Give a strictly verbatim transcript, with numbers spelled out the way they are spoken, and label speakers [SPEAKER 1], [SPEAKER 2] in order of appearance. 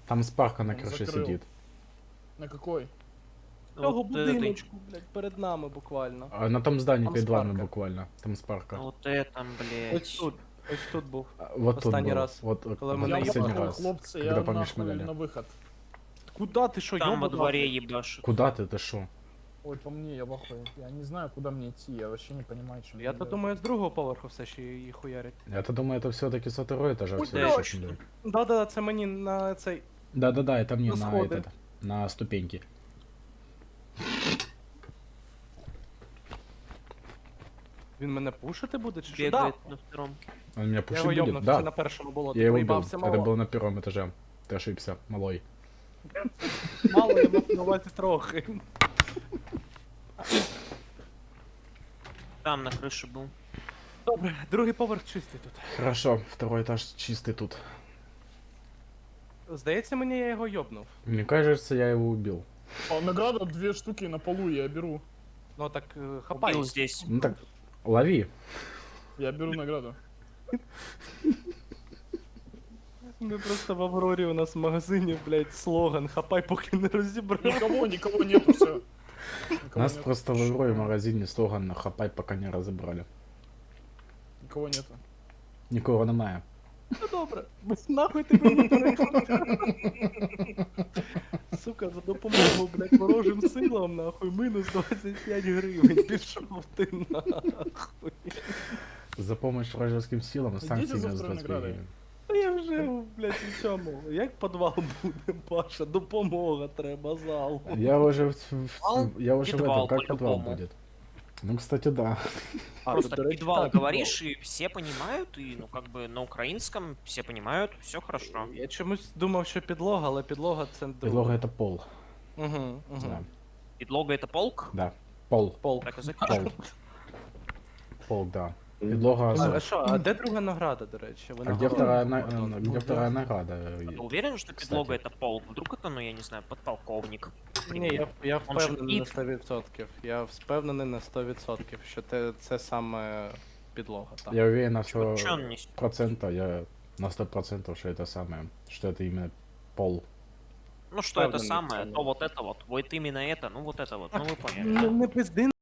[SPEAKER 1] Там Спарка на
[SPEAKER 2] Он
[SPEAKER 1] крыше
[SPEAKER 2] закрыл.
[SPEAKER 1] сидит.
[SPEAKER 2] На какой?
[SPEAKER 3] Цього
[SPEAKER 4] Вот этой.
[SPEAKER 3] будиночку, блядь, перед нами буквально.
[SPEAKER 1] А на том здании
[SPEAKER 3] Там
[SPEAKER 1] перед вами
[SPEAKER 3] Спарка.
[SPEAKER 1] буквально. Там Спарка.
[SPEAKER 4] Вот это,
[SPEAKER 3] Ось
[SPEAKER 4] блядь.
[SPEAKER 3] тут, ось тут був.
[SPEAKER 1] А, Вот тут
[SPEAKER 3] Останній
[SPEAKER 1] был.
[SPEAKER 3] раз,
[SPEAKER 1] Вот э,
[SPEAKER 3] коли
[SPEAKER 1] вот
[SPEAKER 3] ми
[SPEAKER 2] Я
[SPEAKER 3] наїбали.
[SPEAKER 1] последний
[SPEAKER 2] нахуй,
[SPEAKER 1] раз.
[SPEAKER 2] хлопцы,
[SPEAKER 1] Когда
[SPEAKER 2] я нахуй
[SPEAKER 1] помешмеляли.
[SPEAKER 2] на выход.
[SPEAKER 3] Куда ти що,
[SPEAKER 4] Там во
[SPEAKER 3] йобана?
[SPEAKER 4] дворе ебашит.
[SPEAKER 1] Куда ты, ты шо?
[SPEAKER 2] Ой, по мне, я в ахуе. Я не знаю, куда мне идти, я вообще не понимаю, чем
[SPEAKER 3] Я то думаю, з другого поверху все ще її хуярять.
[SPEAKER 1] Я-то думаю, это все-таки со второй этажа
[SPEAKER 3] Ой,
[SPEAKER 1] все
[SPEAKER 3] блядь.
[SPEAKER 1] еще шмелят.
[SPEAKER 3] Да-да, це мені на цей.
[SPEAKER 1] Да-да-да, это мне
[SPEAKER 3] На
[SPEAKER 1] на
[SPEAKER 3] сходы.
[SPEAKER 1] этот, на ступеньки.
[SPEAKER 3] Він мене пушити буде чи що? Да.
[SPEAKER 4] Бегает на втором.
[SPEAKER 1] Он меня
[SPEAKER 3] Я
[SPEAKER 1] пушить
[SPEAKER 3] його
[SPEAKER 1] будет?
[SPEAKER 3] йобнув,
[SPEAKER 1] Да.
[SPEAKER 3] це на першому було.
[SPEAKER 1] Я
[SPEAKER 3] Ти
[SPEAKER 1] его убил.
[SPEAKER 3] проїбався
[SPEAKER 1] Это
[SPEAKER 3] мало.
[SPEAKER 1] было на первом этаже. Ты ошибся, малой.
[SPEAKER 3] Мало, я мав на увазі трохи.
[SPEAKER 4] Там на крыше был.
[SPEAKER 3] Добре, другий поверх чистий тут.
[SPEAKER 1] Хорошо, второй этаж чистый тут.
[SPEAKER 3] Здається, мені я його йобнув.
[SPEAKER 1] Мне кажется, я его убил.
[SPEAKER 2] А, награда две штуки на полу, я беру.
[SPEAKER 3] Ну так е, хапай.
[SPEAKER 4] Убил здесь.
[SPEAKER 1] Ну так, лови.
[SPEAKER 2] Я беру награду.
[SPEAKER 3] Ми просто в Аврорі у нас в магазині, блядь, слоган «Хапай, поки не розібрав».
[SPEAKER 2] Никого, никого нету, все.
[SPEAKER 1] У нас просто в Аврое в магазине слоган «Хапай, пока не разобрали».
[SPEAKER 2] Никого нету.
[SPEAKER 1] Нікого немає.
[SPEAKER 3] Ну добре, без нахуй ти мені переходиш. Сука, за допомогу, блядь, ворожим силам, нахуй, мінус двадцять п'ять гривень, пішов ти нахуй.
[SPEAKER 1] За помощь вражеским силам санкции
[SPEAKER 2] за
[SPEAKER 1] минус
[SPEAKER 2] второй
[SPEAKER 1] двадцать пять
[SPEAKER 2] наградой.
[SPEAKER 1] гривен.
[SPEAKER 3] Та я вже, блядь, у цьому. Як підвал буде, Паша? Допомога треба, зал.
[SPEAKER 1] Я уже, в- в-
[SPEAKER 4] Подвал?
[SPEAKER 1] я уже в
[SPEAKER 4] Подвал,
[SPEAKER 1] этом, как подвал
[SPEAKER 4] по-любому.
[SPEAKER 1] будет? Ну, кстати, да.
[SPEAKER 3] А,
[SPEAKER 4] Просто
[SPEAKER 3] до речі,
[SPEAKER 4] подвал
[SPEAKER 3] так,
[SPEAKER 4] говоришь, и все понимают, и, ну, как бы на украинском все понимают, все хорошо.
[SPEAKER 3] Я чомусь думав, що підлога, але підлога це друге.
[SPEAKER 1] Подлога это пол.
[SPEAKER 3] Угу, угу.
[SPEAKER 1] Да.
[SPEAKER 4] Подлога это полк?
[SPEAKER 1] Да. Пол.
[SPEAKER 3] Пол.
[SPEAKER 4] Так и
[SPEAKER 1] Пол.
[SPEAKER 4] запишем.
[SPEAKER 1] Пол, да. Подлога.
[SPEAKER 3] А,
[SPEAKER 1] за-
[SPEAKER 3] а що, а де друга награда, до речі? Ви
[SPEAKER 1] А
[SPEAKER 3] не
[SPEAKER 1] где
[SPEAKER 3] говорили?
[SPEAKER 1] вторая, на-
[SPEAKER 3] Антон?
[SPEAKER 1] э,
[SPEAKER 3] Ну,
[SPEAKER 1] где
[SPEAKER 3] да.
[SPEAKER 1] вторая награда?
[SPEAKER 4] Ты уверен, что
[SPEAKER 1] Кстати.
[SPEAKER 4] подлога это полк? Вдруг это, ну, я не знаю, подполковник?
[SPEAKER 3] Ні, я, я
[SPEAKER 4] Он же
[SPEAKER 3] впевнений на
[SPEAKER 4] під.
[SPEAKER 3] сто відсотків. Я впевнений на сто відсотків, що те, це саме підлога. Так.
[SPEAKER 1] Я уверен на сто
[SPEAKER 4] Чё он несет?
[SPEAKER 1] процентов, я на сто процентов, что это самое, что это именно пол.
[SPEAKER 4] Ну, что это
[SPEAKER 3] Правда,
[SPEAKER 4] самое,
[SPEAKER 3] не
[SPEAKER 4] то вот это вот, вот именно это, ну, вот это вот, ну, вы поняли.
[SPEAKER 3] Не, не пизди